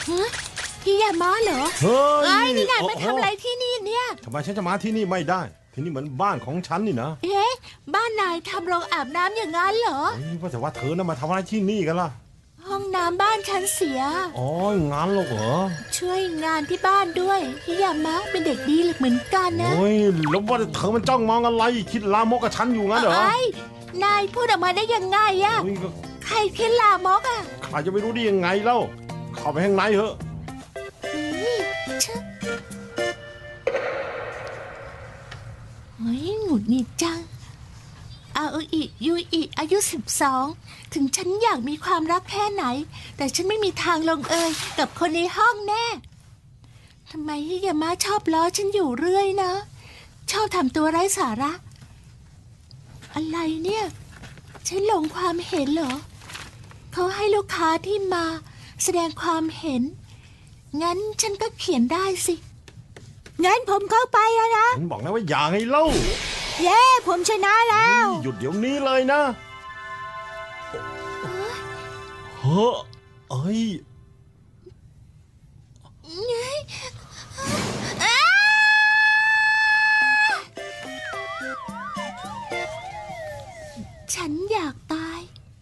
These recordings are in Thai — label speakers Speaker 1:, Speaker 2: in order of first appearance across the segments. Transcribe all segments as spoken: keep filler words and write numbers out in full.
Speaker 1: ฮิยามะเหรอเฮ้ยนี่นายมาทำอะไรที่นี่เนี่ย
Speaker 2: ทำไมฉันจะมาที่นี่ไม่ได้ที่นี่เหมือนบ้านของฉันนี่นะ
Speaker 1: เอ๊ะบ้านนายทำโรงอาบน้ำอย่างนั้นเหรอ
Speaker 2: ว่าแต่ว่าเธอน่ะมาทำอะไรที่นี่กันล่ะ
Speaker 1: ห้องน้ำบ้านฉันเสีย
Speaker 2: อ๋องานหรอเหรอ
Speaker 1: ช่วยงานที่บ้านด้วยฮิยามะเป็นเด็กดีเหมือนกันนะ
Speaker 2: โอ้ยแล้วว่าเธอมันจ้องมองอะไรคิดลามกกับฉันอยู่งั้นเหรอ
Speaker 1: ไอ้นายพูดออกมาได้ยังไงอะใครคิดลามกอะ
Speaker 2: ใครจะไม่รู้ได้ยังไงเล่าเข้าไปข้างในเถอะ
Speaker 1: เฮ้ยหงุดหงิดจังอาโออิยูอิอายุสิบสองถึงฉันอยากมีความรักแค่ไหนแต่ฉันไม่มีทางลงเอยกับคนในห้องแน่ทำไมฮิยามะชอบล้อฉันอยู่เรื่อยนะชอบทำตัวไร้สาระอะไรเนี่ยฉันหลงความเห็นเหรอเขาให้ลูกค้าที่มาแสดงความเห็นงั้นฉันก็เขียนได้สิงั้นผมเข้าไปแล้วนะ
Speaker 2: ฉันบอกแล้วว่าอย่าให้เล่า
Speaker 1: เย้ผมชนะแล้ว
Speaker 2: หยุดเดี๋ยวนี้เลยนะเฮ้อเอ้ย
Speaker 1: ฉันอยากตาย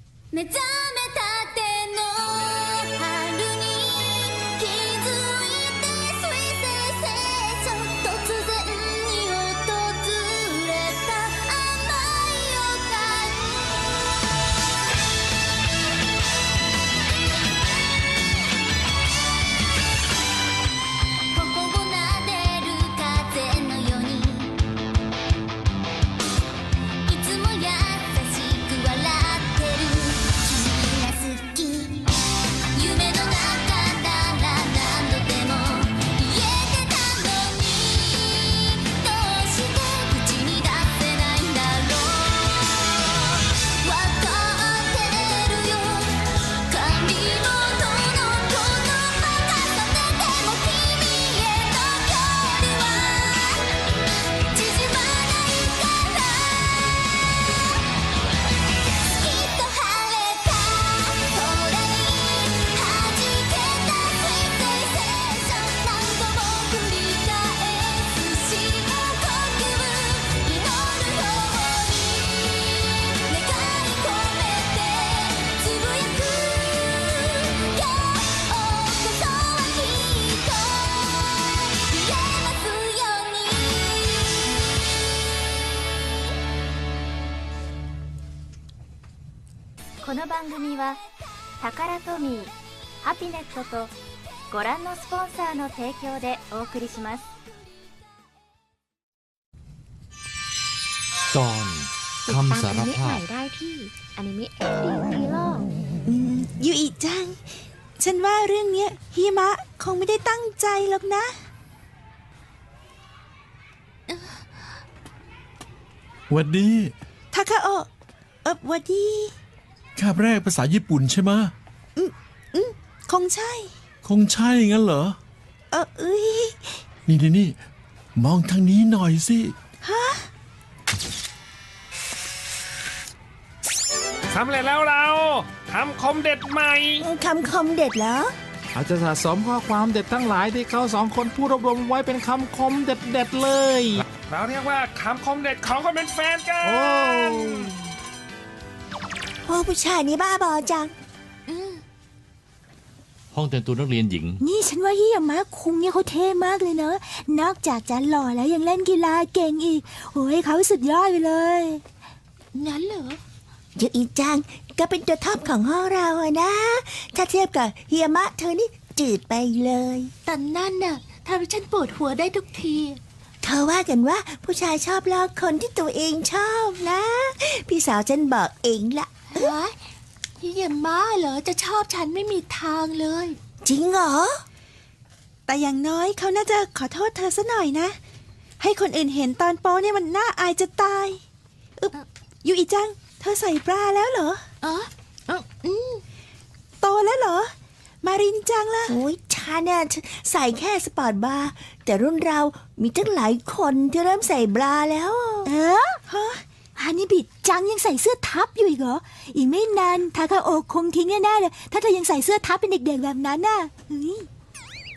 Speaker 3: この番組はタカラトミー、ハピネットとご覧のスポンサーの提供でお送りします
Speaker 4: ตอนคำสารภาพ
Speaker 1: ได้ที่อนิเมะแอนดี้ฮีโร่
Speaker 5: ยูอิจังฉันว่าเรื่องนี้ฮิมะคงไม่ได้ตั้งใจหรอกนะ
Speaker 4: วัดดี
Speaker 5: ทาคาโอะเออวัดดี
Speaker 4: คาบแรกภาษาญี่ปุ่นใช่ไหม
Speaker 5: อืมอืมคงใช่
Speaker 4: คงใช่งั้นเหรอ
Speaker 5: เออเอ้ย
Speaker 4: นี่นี่นี่มองทางนี้หน่อยสิ
Speaker 5: ฮะ
Speaker 6: สำเร็จแล้วเราคำคมเด็ดใหม่
Speaker 5: คำคมเด็ดเหรอ
Speaker 6: อาจจะสะสมข้อความเด็ดทั้งหลายที่เขาสองคนพูดรวบรวมไว้เป็นคำคมเด็ดเด็ดเลยเราเรียกว่าคำคมเด็ดของคนเป็นแฟนกัน
Speaker 5: โอ้ผู้ชายนี่บ้าบอจัง
Speaker 4: ห้องแต่งตัวนักเรียนหญิง
Speaker 5: นี่ฉันว่าฮิยามะคุงเนี่ยเขาเท่มากเลยเนอะนอกจากจะหล่อแล้วยังเล่นกีฬาเก่งอีกโอ้ยเขาสุดยอดไปเลย
Speaker 1: งั้นเหรอ
Speaker 5: ยูอิจังก็เป็นตัวท็อปของห้องเราอะนะถ้าเทียบกับฮิยามะเธอนี่จืดไปเลย
Speaker 1: แต่นั่นน่ะทำให้ฉันปวดหัวได้ทุกที
Speaker 5: เธอว่ากันว่าผู้ชายชอบลอกคนที่ตัวเองชอบนะพี่สาวฉันบอกเองละ
Speaker 1: ฮะฮิยามะเหรอจะชอบฉันไม่มีทางเลย
Speaker 5: จริงเหรอแต่อย่างน้อยเขาน่าจะขอโทษเธอซะหน่อยนะให้คนอื่นเห็นตอนโป๊เนี่ยมันน่าอายจะตายอึ๊บยูอิจังเธอใส่บราแล้วเหรอ
Speaker 1: อ๋ออืม
Speaker 5: โตแล้วเหรอมารินจังล่ะโอ้ยฉันเนี่ยใส่แค่สปอร์ตบราแต่รุ่นเรามีตั้งหลายคนที่เริ่มใส่บราแล้วเออฮะฮานิบิจังยังใส่เสื้อทับอยู่อีกเหรออีกไม่นานทาคาโอะคงทิ้งแน่ๆเลยถ้าเธอยังใส่เสื้อทับเป็นเด็กๆแบบนั้นน่ะ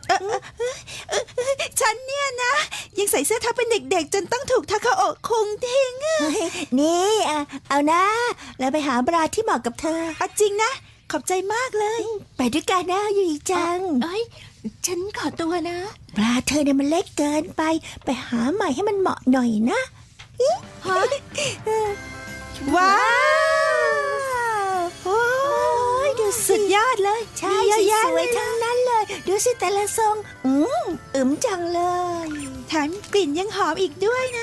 Speaker 5: ฉันเนี่ยนะ ยังใส่เสื้อทับเป็นเด็กๆ จนต้องถูกทาคาโอะคุงทิ้งอะนี่อะเอานะแล้วไปหาบราที่เหมาะกับเธอเอาจริงนะ ขอบใจมากเลย ไปด้วยกันนะยูอีจัง
Speaker 1: เอ้ย ฉันขอตัวนะ
Speaker 5: บราเธอเนี่ยมันเล็กเกินไป ไปหาใหม่ให้มันเหมาะหน่อยนะ
Speaker 1: ฮะ
Speaker 5: ว้าวโอ้ยดูสุดยอดเลย ใช่สวยทั้งนั้นเลย ดูสิแต่ละทรง อืมอึมจังเลยแถมกลิ่นยังหอมอีกด้วยนะ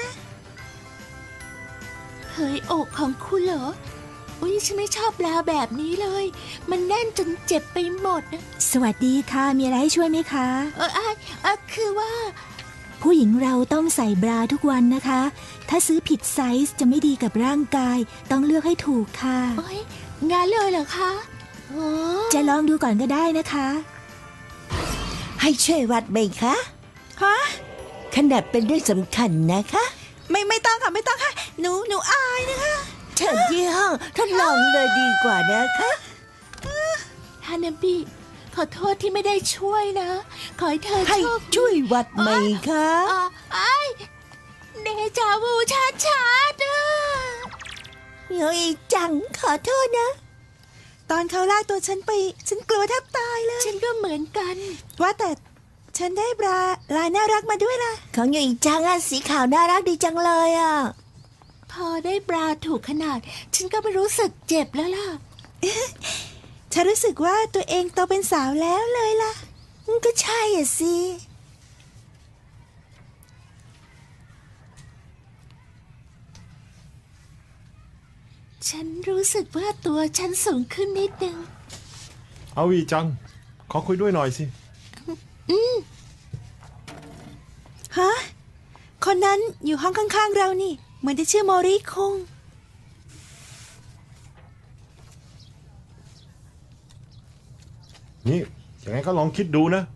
Speaker 1: เฮ้ยอกของคุณเหรอ อุ้ยฉันไม่ชอบปลาแบบนี้เลย มันแน่นจนเจ็บไปหมดนะ
Speaker 5: สวัสดีค่ะ มีอะไรให้ช่วยไหมคะ
Speaker 1: เออไอเออคือว่า
Speaker 5: ผู้หญิงเราต้องใส่บราทุกวันนะคะ ถ้าซื้อผิดไซส์จะไม่ดีกับร่างกาย ต้องเลือกให้ถูกค่ะ
Speaker 1: โอ้ยงานเลยเหรอคะโอ้
Speaker 5: จะลองดูก่อนก็ได้นะคะ ให้ช่วยวัดไหมคะฮะขนาดเป็นเรื่องสำคัญนะคะ ไม่ไม่ต้องค่ะไม่ต้องค่ะ หนูหนูอายนะคะเชิญที่ห้องทดลองเลยดีกว่านะคะ
Speaker 1: ฮานาบิขอโทษที่ไม่ได้ช่วยนะ ขอให้เธอ
Speaker 5: ให้
Speaker 1: โชคดี
Speaker 5: ช่วยวัดไหมคะ
Speaker 1: อ่ะไอ้เดจาวูชาชาดอ่ะ
Speaker 5: เฮ้ยจังขอโทษนะ ตอนเขาลากตัวฉันไป ฉันกลัวแทบตายเลย
Speaker 1: ฉันก็เหมือนกัน
Speaker 5: ว่าแต่ฉันได้บราลายน่ารักมาด้วยล่ะ ของอยู่อีกจังอ่ะสีขาวน่ารักดีจังเลยอ่ะ
Speaker 1: พอได้บราถูกขนาด ฉันก็ไม่รู้สึกเจ็บแล้วล่ะ
Speaker 5: ฉันรู้สึกว่าตัวเองโตเป็นสาวแล้วเลยล่ะ ก็ใช่อ่ะสิ
Speaker 1: ฉันรู้สึกว่าตัวฉันสูงขึ้นนิดนึง
Speaker 2: เอาวีจัง ขอคุยด้วยหน่อยสิ
Speaker 5: ฮะ คนนั้นอยู่ห้องข้างๆเรานี่ เหมือนจะชื่อโมริคง
Speaker 2: นี่ยังไงก็ลองคิดดูนะ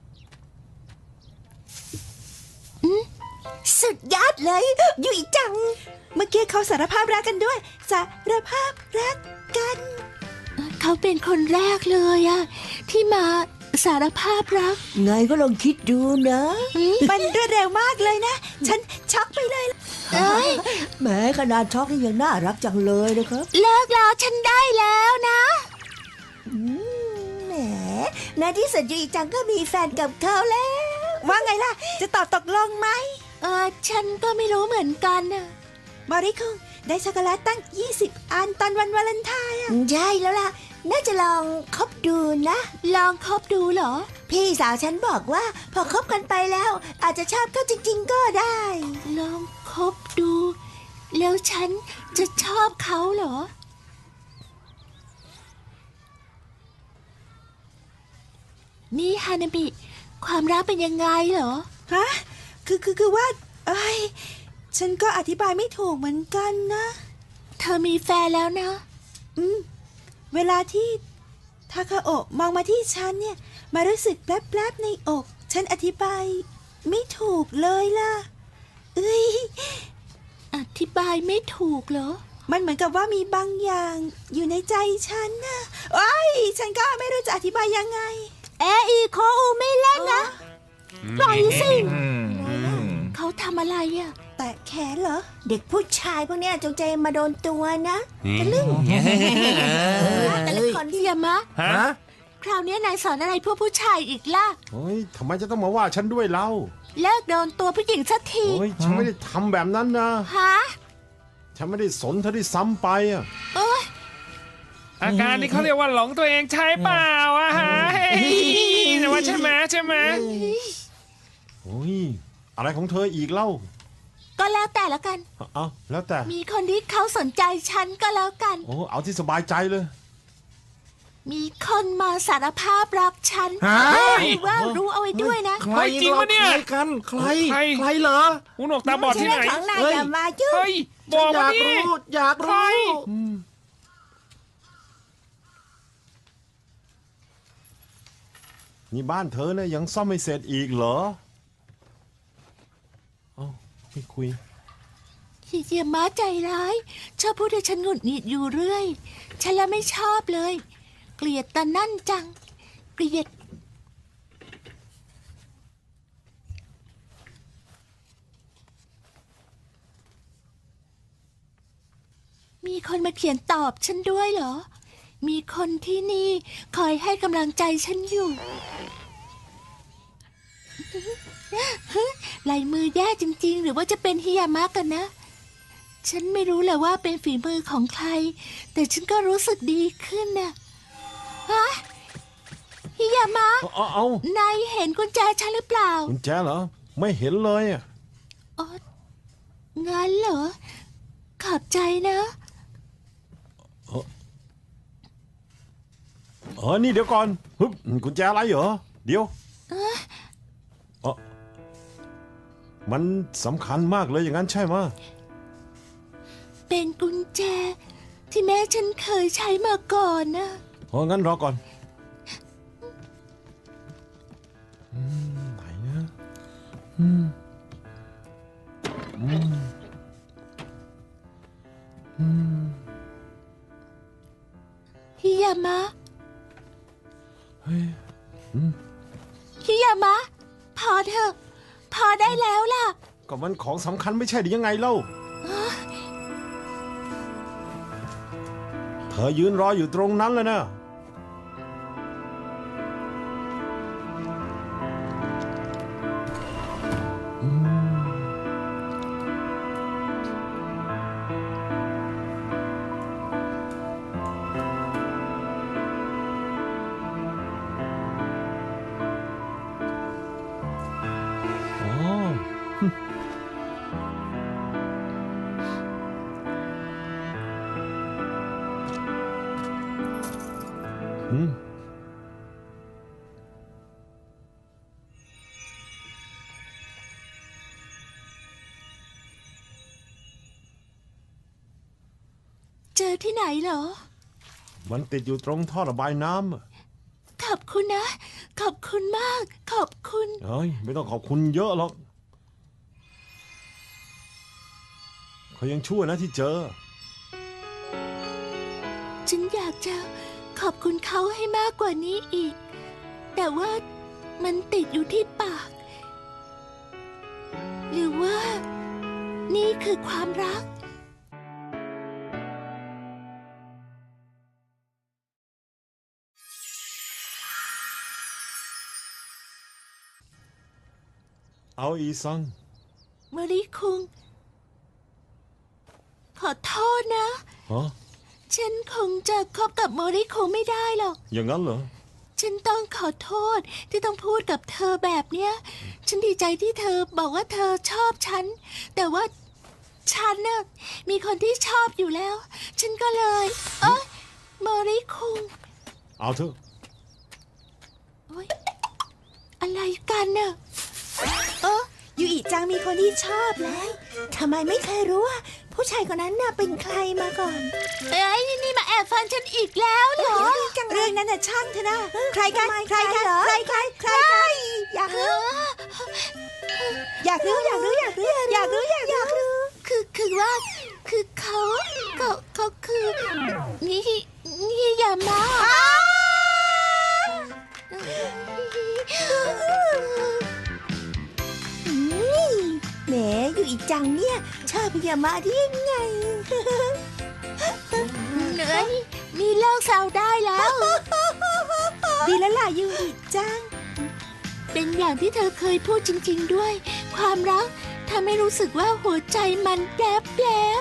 Speaker 5: สุดยอดเลยอยู่อีกจัง เมื่อกี้เขาสารภาพรักกันด้วย สารภาพรักกัน
Speaker 1: เขาเป็นคนแรกเลยอะที่มาสารภาพรัก
Speaker 5: ไงก็ลองคิดดูนะ มันรวดเร็วมากเลยนะ ฉันช็อกไปเลย
Speaker 1: เอ้ย
Speaker 5: แหมขนาดช็อกนี่ยังน่ารักจังเลยนะครับ
Speaker 1: เลิกแล้วฉันได้แล้วนะ
Speaker 5: แหมในที่สุดยูอีจังก็มีแฟนกับเขาแล้ว ว่าไงล่ะ จะตอบตกลงไหม
Speaker 1: เออฉันก็ไม่รู้เหมือนกันนะ
Speaker 5: มอริคุงได้ช็อกโกแลตตั้ง ยี่สิบ อันตอนวันวาเลนไทน์อ่ะ ใช่แล้วล่ะ น่าจะลองคบดูนะ
Speaker 1: ลองคบดูเหรอ
Speaker 5: พี่สาวฉันบอกว่า พอคบกันไปแล้ว อาจจะชอบเขาจริง ๆ ก็ได้
Speaker 1: ลองคบดู แล้วฉันจะชอบเขาเหรอ นี่ฮานาบิ ความรักเป็นยังไงเหรอ
Speaker 5: ฮะ คือคือคือว่าเอ้ยฉันก็อธิบายไม่ถูกเหมือนกันนะ
Speaker 1: เธอมีแฟนแล้วนะ
Speaker 5: อืม เวลาที่ทาคาโอะมองมาที่ฉันเนี่ย มารู้สึกแปลบๆในอก ฉันอธิบายไม่ถูกเลยล่ะ เอ้ย
Speaker 1: อธิบายไม่ถูกเหรอ
Speaker 5: มันเหมือนกับว่ามีบางอย่างอยู่ในใจฉันนะโอ้ยฉันก็ไม่รู้จะอธิบายยังไง เออีโคอูไม่เล่นนะ ปล่อยสิ
Speaker 1: เขาทำอะไรอ่ะ
Speaker 5: แต่แขนเหรอ เด็กผู้ชายพวกเนี้ยจงใจมาโดนตัวนะทะลึ่งแต่ละคน
Speaker 1: อย่ามะ
Speaker 6: ฮะ
Speaker 1: คราวนี้นายสอนอะไรพวกผู้ชายอีกล่ะ
Speaker 2: เฮ้ยทำไมจะต้องมาว่าฉันด้วยเล่า
Speaker 1: เลิกโดนตัวผู้หญิงสักที
Speaker 2: เฮ้ย ฉันไม่ได้ทำแบบนั้นนะ
Speaker 1: ฮะ
Speaker 2: ฉันไม่ได้สนเธอที่ซ้ำไปอ่ะ
Speaker 1: โอ้ย
Speaker 6: อาการนี้เขาเรียกว่าหลงตัวเองใช่เปล่าอะฮะเฮ้ยแต่ว่าใช่ไหมใช่ไหม
Speaker 2: โอ้ย อะไรของเธออีกเล่า
Speaker 1: ก็แล้วแต่ละกัน
Speaker 2: เอาแล้วแต่
Speaker 1: มีคนที่เขาสนใจฉันก็แล้วกัน
Speaker 2: โอ้ เอาที่สบายใจเลย
Speaker 1: มีคนมาสารภาพรักฉัน
Speaker 4: ฮะ
Speaker 1: หรือว่ารู้เอาไว้ด้วยนะ
Speaker 4: ใคร
Speaker 6: จริงปะเนี่ย
Speaker 4: ใครกัน ใคร
Speaker 6: ใคร
Speaker 4: ใครเหรอ
Speaker 6: หูหนวกตาบอดที่ไหน
Speaker 5: ของนาย
Speaker 4: เฮ้ย
Speaker 5: อย่ามายุ่ง
Speaker 6: เฮ้ย บ
Speaker 4: ฉั
Speaker 6: อน ก
Speaker 4: อ
Speaker 6: มาย
Speaker 4: าก
Speaker 6: ดิ
Speaker 4: รู้ อยาก
Speaker 6: ใคร
Speaker 4: รู้
Speaker 2: นี่บ้านเธอเนี่ยยังซ่อมไม่เสร็จอีกเหรอ เอ้าไม่คุย
Speaker 1: ขี้เกียจม้าใจร้าย ชอบพูดให้ฉันหงุดหงิดอยู่เรื่อย ฉันละไม่ชอบเลย เกลียดตานั่นจัง เกลียดมีคนมาเขียนตอบฉันด้วยเหรอ มีคนที่นี่คอยให้กำลังใจฉันอยู่ ลายมือแย่จริงๆหรือว่าจะเป็นฮิยามะกันนะ ฉันไม่รู้เลยว่าเป็นฝีมือของใคร แต่ฉันก็รู้สึกดีขึ้นนะฮะฮิยามะ
Speaker 2: เอาเอา
Speaker 1: นายเห็นกุญแจฉันหรือเปล่า
Speaker 2: กุญแจเหรอไม่เห็นเลยอะ
Speaker 1: อ๋องั้นเหรอ ขอบใจนะ
Speaker 2: เออนี่เดี๋ยวก่อนฮึบกุญแจอะไรเหรอเดี๋ยวเออมันสำคัญมากเลยอย่างนั้นใช่ไหม
Speaker 1: เป็นกุญแจที่แม่ฉันเคยใช้มาก่อนนะ
Speaker 2: เพราะงั้นรอก่อนอืมไหนนะอืมอืมอืม
Speaker 1: ฮิยามะ
Speaker 2: เฮ้ย
Speaker 1: ฮิยามะ พอเถอะ พอได้แล้วล่ะ
Speaker 2: ก็มันของสำคัญไม่ใช่หรือยังไงเล่าเธอยืนรออยู่ตรงนั้นเลยนะอ๋อ อืม
Speaker 1: เจอที่ไหนเหรอ
Speaker 2: มันติดอยู่ตรงท่อระบายน้ำอะ
Speaker 1: ขอบคุณนะ ขอบคุณมาก ขอบคุณ
Speaker 2: เฮ้ยไม่ต้องขอบคุณเยอะหรอกเขายังชั่วนะที่เจอ
Speaker 1: ฉันอยากจะขอบคุณเขาให้มากกว่านี้อีก แต่ว่ามันติดอยู่ที่ปาก หรือว่า นี่คือความรัก
Speaker 2: เอาอีซัง
Speaker 1: มริคุง ขอโทษนะ
Speaker 2: ฮะ
Speaker 1: ฉันคงจะคบกับโมริคุงไม่ได้หรอก
Speaker 2: อย่างนั้นเหรอ
Speaker 1: ฉันต้องขอโทษที่ต้องพูดกับเธอแบบเนี้ย ฉันดีใจที่เธอบอกว่าเธอชอบฉัน แต่ว่าฉันน่ะมีคนที่ชอบอยู่แล้ว ฉันก็เลย เอ้ยโมริคุง
Speaker 2: เอาเถอะ
Speaker 1: โอ๊ยอะไรกันน่ะเออ
Speaker 5: ยูอิจังมีคนที่ชอบแล้วทำไมไม่เคยรู้ว่า ผู้ชายคนนั้นน่ะเป็นใครมาก่อน
Speaker 1: เอ้ยนี่มาแอบฟังฉันอีกแล้วเหรอ
Speaker 5: เรื่องนั้นน่ะช่างเถอะนะใครกันใครกันใครใครใครกันอยากรู้อยากรู้อยากรู้อยากรู้อยากรู้อยากรู้อยากรู้
Speaker 1: คือคือว่า คือเขาเขาเขาคือนี่นี่ยามะ
Speaker 5: แหมยูอิจังเนี่ยชอบพยามาได้ยังไง
Speaker 1: เหนื่อยนี่เลิกเศร้าได้แล้ว
Speaker 5: ดีแล้วล่ะยูอิจัง
Speaker 1: เป็นอย่างที่เธอเคยพูดจริงๆด้วย ความรักทำให้รู้สึกว่าหัวใจมันแปลบแปลบ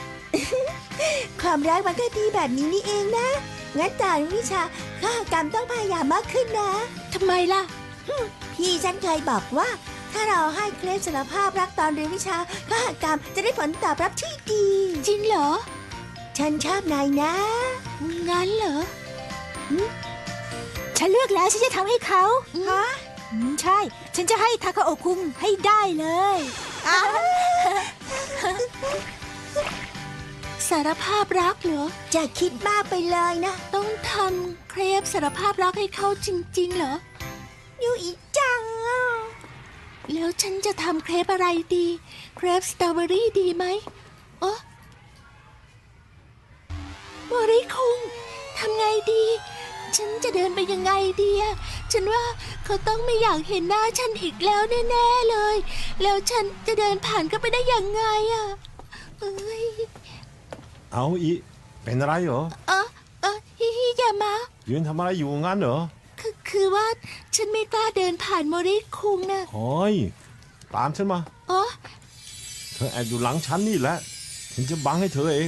Speaker 5: ความรักมันก็ดีแบบนี้นี่เองนะ งั้นตอนวิชาข้ากรรมต้องพยายามมากขึ้นนะ
Speaker 1: ทำไมล่ะ
Speaker 5: พี่ฉันเคยบอกว่า ถ้าเราให้เคล็ดสารภาพรักตอนเรียนวิชาข้ากรรมจะได้ผลตอบรับที่ดี
Speaker 1: จริงเหรอ
Speaker 5: ฉันชอบนายนะ
Speaker 1: งั้นเหรอ
Speaker 5: ฉันเลือกแล้วฉันจะทำให้เขาฮะใช่ ฉันจะให้ทาคาโอะคุงให้ได้เลย
Speaker 1: สารภาพรักเหรอ
Speaker 5: จะคิดมากไปเลยนะ
Speaker 1: ต้องทำเครปสารภาพรักให้เขาจริงๆเหรอ
Speaker 5: ยูอิจังอ่ะ
Speaker 1: แล้วฉันจะทำเครปอะไรดี เครปสตรอเบอรี่ดีไหมโอ้โมริคุงทำไงดี ฉันจะเดินไปยังไงดีอะฉันว่าเขาต้องไม่อยากเห็นหน้าฉันอีกแล้วแน่ๆเลย แล้วฉันจะเดินผ่านก็ไปได้ยังไงอะเอ้ย
Speaker 2: เอาอีเป็นอะไรเหรอ
Speaker 1: เออเออฮิฮิยามะ
Speaker 2: ยืนทำอะไรอยู่งั้นเหรอ
Speaker 1: คือคือว่าฉันไม่กล้าเดินผ่านโมริคุงนะ
Speaker 2: โอ้ยตามฉันมา
Speaker 1: อ๋อ
Speaker 2: เธอแอบอยู่หลังฉันนี่แหละฉันจะบังให้เธอเอง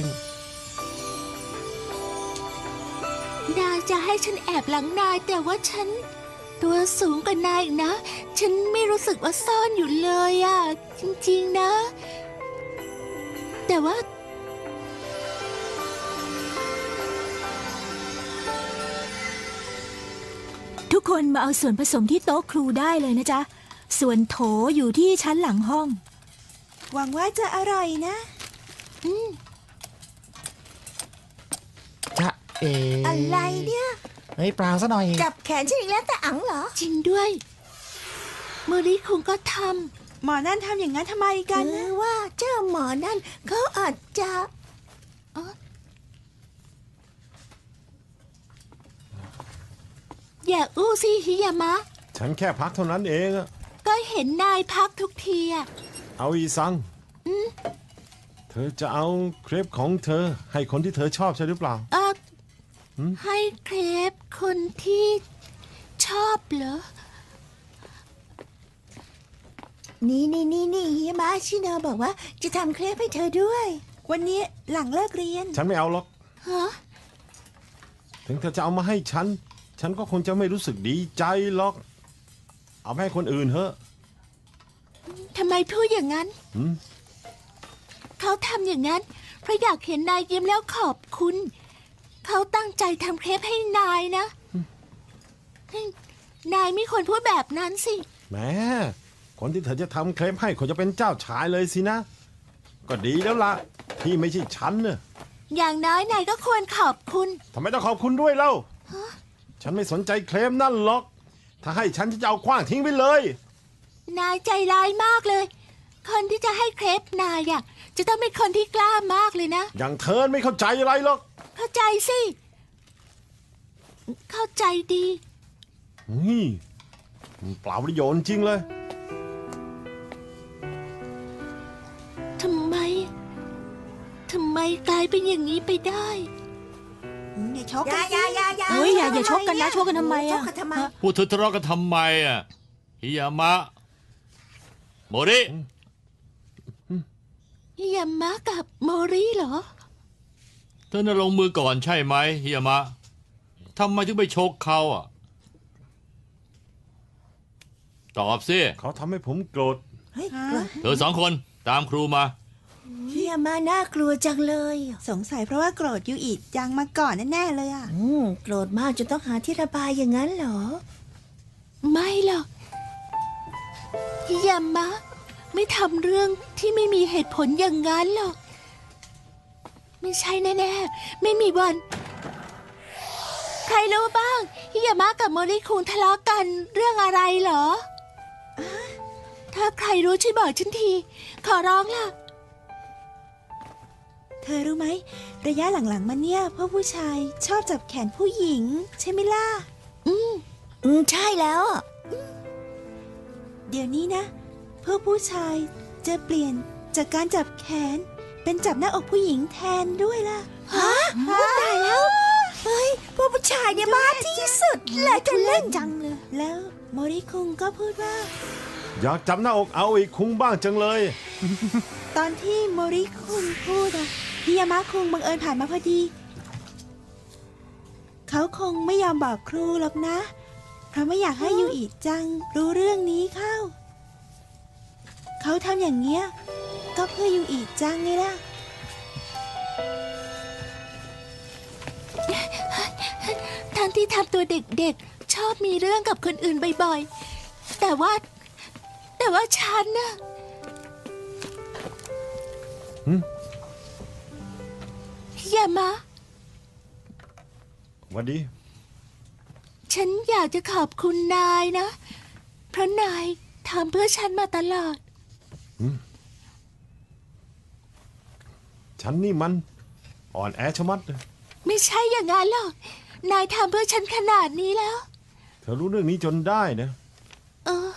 Speaker 1: นายจะให้ฉันแอบหลังนายแต่ว่าฉัน ตัวสูงกว่านายอีกนะ ฉันไม่รู้สึกว่าซ่อนอยู่เลยอะจริงๆนะ แต่ว่า
Speaker 5: ทุกคนมาเอาส่วนผสมที่โต๊ะครูได้เลยนะจ๊ะ ส่วนโถอยู่ที่ชั้นหลังห้อง หวังว่าจะอร่อยนะ
Speaker 6: จะเอ
Speaker 5: อะไรเนี่ย
Speaker 6: เฮ้ยเปล่าซะหน่อย
Speaker 5: จับแขนฉันอีกแล้วแต่อังเหรอ
Speaker 1: จริงด้วยโมริคุงก็ท
Speaker 5: หมอนั่นทำอย่างนั้นทำไมกันนะว่าเจ้าหมอนั่นเขาอาจจะ
Speaker 1: ำอย่าอู้สิฮิยามะ
Speaker 2: ฉันแค่พักเท่านั้นเองอะ
Speaker 1: ก็เห็นนายพักทุกทีอะ
Speaker 2: เอาอีซังเธอจะเอาเครปของเธอ ให้คนที่เธอชอบใช่หรือเปล่า
Speaker 1: เออให้เครปคนที่ชอบเหรอ
Speaker 5: นี่นี่นี่นี่ฮิยามะชิโนบอกว่าจะทำเครปให้เธอด้วย วันนี้หลังเลิกเรียน
Speaker 2: ฉันไม่เอาหรอก
Speaker 1: ฮะ
Speaker 2: ถึงเธอจะเอามาให้ฉัน ฉันก็คงจะไม่รู้สึกดีใจหรอก เอาไปให้คนอื่นเถอะ
Speaker 1: ทำไมพูดอย่างนั้น
Speaker 2: หืม
Speaker 1: เขาทำอย่างนั้น เพราะอยากเห็นนายยิ้มแล้วขอบคุณ เขาตั้งใจทำเครปให้นายนะ นายไม่ควรพูดแบบนั้นสิ
Speaker 2: แหมคนที่เธอจะทำเครปให้เขาจะเป็นเจ้าชายเลยสินะ ก็ดีแล้วล่ะ ที่ไม่ใช่ฉันเน่ะ
Speaker 1: อย่างน้อยนายก็ควรขอบคุณ
Speaker 2: ทำไมต้องขอบคุณด้วยเล่า ฉันไม่สนใจเครปนั่นหรอก ถ้าให้ฉันจะเอาขว้างทิ้งไปเลย
Speaker 1: นายใจร้ายมากเลย คนที่จะให้เครปนายอะจะต้องเป็นคนที่กล้ามากเลยนะ
Speaker 2: อย่างเธอไม่เข้าใจอะไรหรอก
Speaker 1: เข้าใจสิ เข้าใจดี
Speaker 2: นี่เปล่าประโยชน์จริงเลย
Speaker 1: ทำไม ทำไมกลายเป็นอย่างนี้ไปได้
Speaker 5: อย่าชกกันอย่าอย่าอย่าเฮ้ยอย่าอย่าชกกันนะชกกันทำไมอะชกกันทำไม
Speaker 7: พูดเธอทะเลาะกันทำไมอ่ะฮิยามะโมริ
Speaker 1: ฮิยามะกับโมริเหรอ
Speaker 7: เธอน่ะลงมือก่อนใช่ไหมฮิยามะทำไมถึงไปชกเขาอ่ะตอบสิ
Speaker 2: เขาทำให้ผมโกรธ
Speaker 5: เฮ้ย
Speaker 7: เธอสองคนตามครูมา
Speaker 5: ฮิยามาน่ากลัวจังเลยสงสัยเพราะว่าโกรธยูอิจังมาก่อนแน่ๆเลยอ่ะอืมโกรธมากจนต้องหาที่ระบายอย่างนั้นเหรอ
Speaker 1: ไม่หรอกฮิยามะ ไม่ทำเรื่องที่ไม่มีเหตุผลอย่างนั้นหรอก ไม่ใช่แน่ๆ ไม่มีวัน ใครรู้บ้างฮิยามะกับโมริคุงทะเลาะกันเรื่องอะไรเหรอ ถ้าใครรู้ช่วยบอกฉันที ขอร้องล่ะ
Speaker 5: เธอรู้ไหมระยะหลังๆมาเนี่ยพวกผู้ชายชอบจับแขนผู้หญิง ใช่ไหมล่ะ
Speaker 1: อืม
Speaker 5: อืมใช่แล้วเดี๋ยวนี้นะพวกผู้ชายจะเปลี่ยนจากการจับแขน เป็นจับหน้าอกผู้หญิงแทนด้วยล่ะฮะตายแล้วเฮ้ยพวกผู้ชายเนี่ยบ้าที่สุดเลยจะเล่นจังเลยแล้วโมริคุงก็พูดว่า
Speaker 2: อยากจับหน้าอกเอาอีกคุ้งบ้างจังเลย
Speaker 5: ตอนที่โมริคุงพูดอะฮิยามะคุงบังเอิญผ่านมาพอดี เขาคงไม่ยอมบอกครูหรอกนะ เพราะไม่อยากให้ยูอิจังรู้เรื่องนี้เข้า เขาทำอย่างเงี้ยก็เพื่อยูอิจังไงล่ะ
Speaker 1: ทั้งที่ทำตัวเด็กๆ ชอบมีเรื่องกับคนอื่นบ่อยๆ แต่ว่า แต่ว่าฉันน่ะ
Speaker 2: หืม
Speaker 1: อย่ามา
Speaker 2: หวันดี
Speaker 1: ฉันอยากจะขอบคุณนายนะ เพราะนายทำเพื่อฉันมาตลอด
Speaker 2: ฉันนี่มัน อ่อนแอชะมัดเลย
Speaker 1: ไม่ใช่อย่างนั้นหรอก นายทำเพื่อฉันขนาดนี้แล้ว
Speaker 2: เธอรู้เรื่องนี้จนได้นะ
Speaker 1: เออ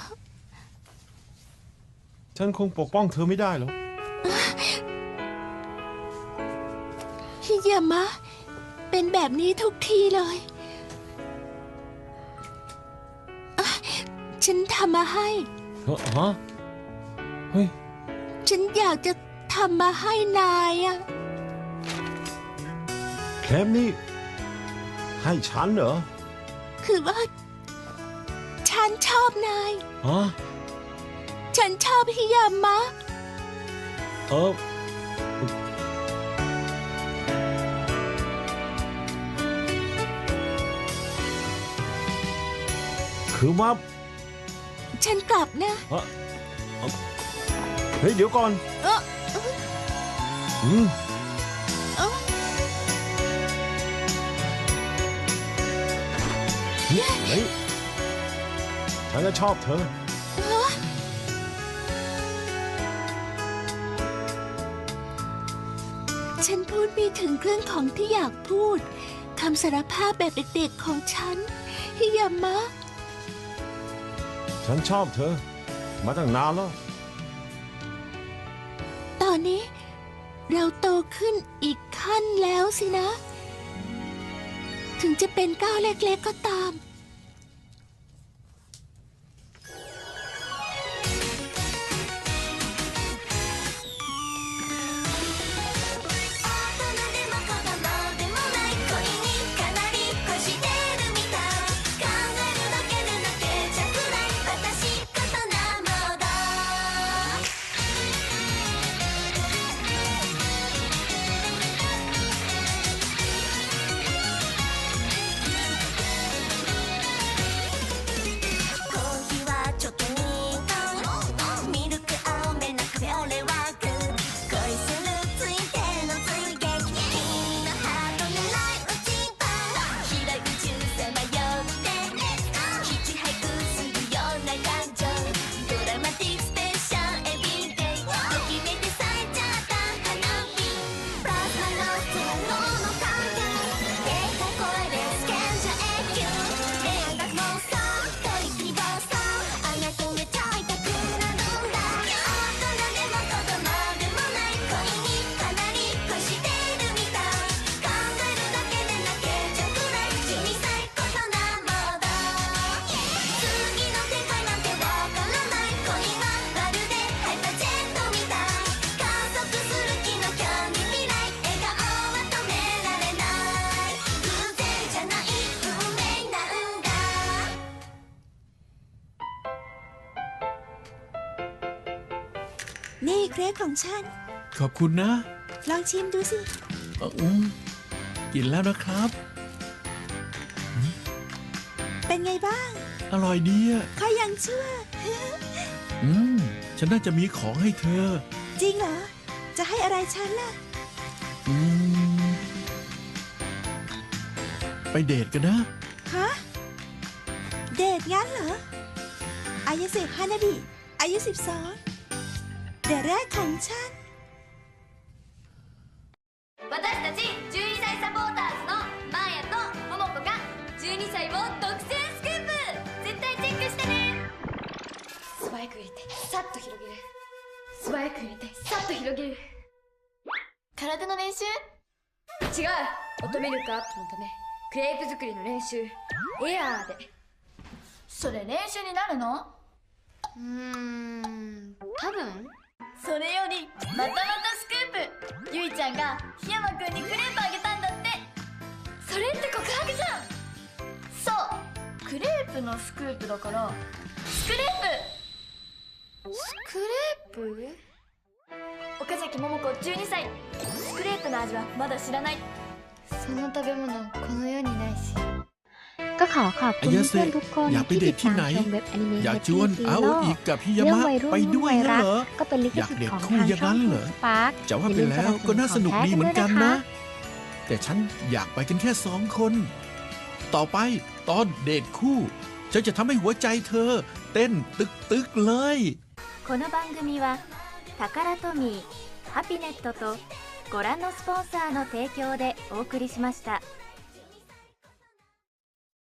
Speaker 2: ฉันคงปกป้องเธอไม่ได้หรอก
Speaker 1: ฉยามะ เป็นแบบนี้ทุกทีเลยอ่ะฉันทำมาให้
Speaker 2: เฮ้อฮะเฮ้ย
Speaker 1: ฉันอยากจะทำมาให้นายอะ
Speaker 2: เครปนี่ให้ฉันเหรอ
Speaker 1: คือว่า ฉันชอบนาย
Speaker 2: ฮะ
Speaker 1: ฉันชอบฮิยามะ
Speaker 2: เออคือว่า
Speaker 1: ฉันกลับนะ
Speaker 2: เอ่อเอ่อเฮ้ย เดี๋ยวก่อน
Speaker 1: เออ
Speaker 2: อืม
Speaker 1: เออ
Speaker 2: เฮ้ยฉันจะชอบเธอ
Speaker 1: ฉันพูดไม่ถึงเรื่องของที่อยากพูดคำสารภาพแบบเด็กๆของฉันฮิยามะ
Speaker 2: ฉันชอบเธอ มาตั้งนานแล้ว
Speaker 1: ตอนนี้เราโตขึ้นอีกขั้นแล้วสินะ ถึงจะเป็นก้าวเล็กๆก็ตาม
Speaker 5: นี่เครปของฉัน
Speaker 4: ขอบคุณนะ
Speaker 5: ลองชิมดูสิ
Speaker 4: เอ่ออืมกินแล้วนะครับ
Speaker 5: เป็นไงบ้าง
Speaker 4: อร่อยดีอ่ะ
Speaker 5: ข้ายังชั่ว
Speaker 4: อืม ฉันน่าจะมีของให้เธอ
Speaker 5: จริงเหรอ จะให้อะไรฉันล่ะ
Speaker 4: อืม ไปเดทกันนะ
Speaker 5: ฮะ เดทงั้นเหรอ อายาเสะฮานาบิ อายุสิบสองเดทแรกของฉัน
Speaker 3: 私たちじゅうにさいサポーターズのマーヤとモモコがじゅうにさいを独占スクープ絶対チェックしてね素早く入れてさっと広げる素早く入れてさっと広げる体の練習違うオトミルクアップのためクレープ作りの練習エアーでそれ練習になるのうーん多分それよりまたまたスクープゆいちゃんが檜山くんにクレープあげたんだってそれって告白じゃんそうクレープのスクープだからスクレープスクレープ岡崎桃子じゅうにさいスクレープの味はまだ知らないその食べ物この世にないし
Speaker 8: ก็ขอขอบคุณ
Speaker 4: อายาเสะ
Speaker 8: เพื่อนๆทุกคน
Speaker 4: อยากไป
Speaker 8: ที่
Speaker 4: เด
Speaker 8: ติ
Speaker 4: ท
Speaker 8: ด
Speaker 4: ที่
Speaker 8: ตาม
Speaker 4: ไหน
Speaker 8: ชมเว็บอนิเมะ
Speaker 4: อยาก
Speaker 8: แฮป
Speaker 4: ชวน
Speaker 8: ปี้ซี
Speaker 4: เอา
Speaker 8: โร่
Speaker 4: อีกกับพี่ยา
Speaker 8: เรื่อง
Speaker 4: มะ
Speaker 8: วัยรุ่น
Speaker 4: ไปด้วย
Speaker 8: วัย
Speaker 4: งั้น
Speaker 8: รัก
Speaker 4: เหรอ
Speaker 8: ก็เป็นลิข
Speaker 4: อยาก
Speaker 8: สิท
Speaker 4: เด
Speaker 8: ธิ์
Speaker 4: ท
Speaker 8: ของ
Speaker 4: คู่
Speaker 8: ทาง
Speaker 4: อย่าง
Speaker 8: ช่อ
Speaker 4: นั้
Speaker 8: ง
Speaker 4: นเหรอ
Speaker 8: สปาร์ค
Speaker 4: จะว่าไปแล้วก็น่าสนุกดีเหมือนกันนะ แต่ฉันอยากไปกันแค่สองคน ต่อไปตอนเดทคู่ฉันจะทำให้หัวใจเธอ เต้นตึกตึกๆเลย
Speaker 3: この番組はタカラトミーハピネットとご覧のスポンサーの提供でお送りしました。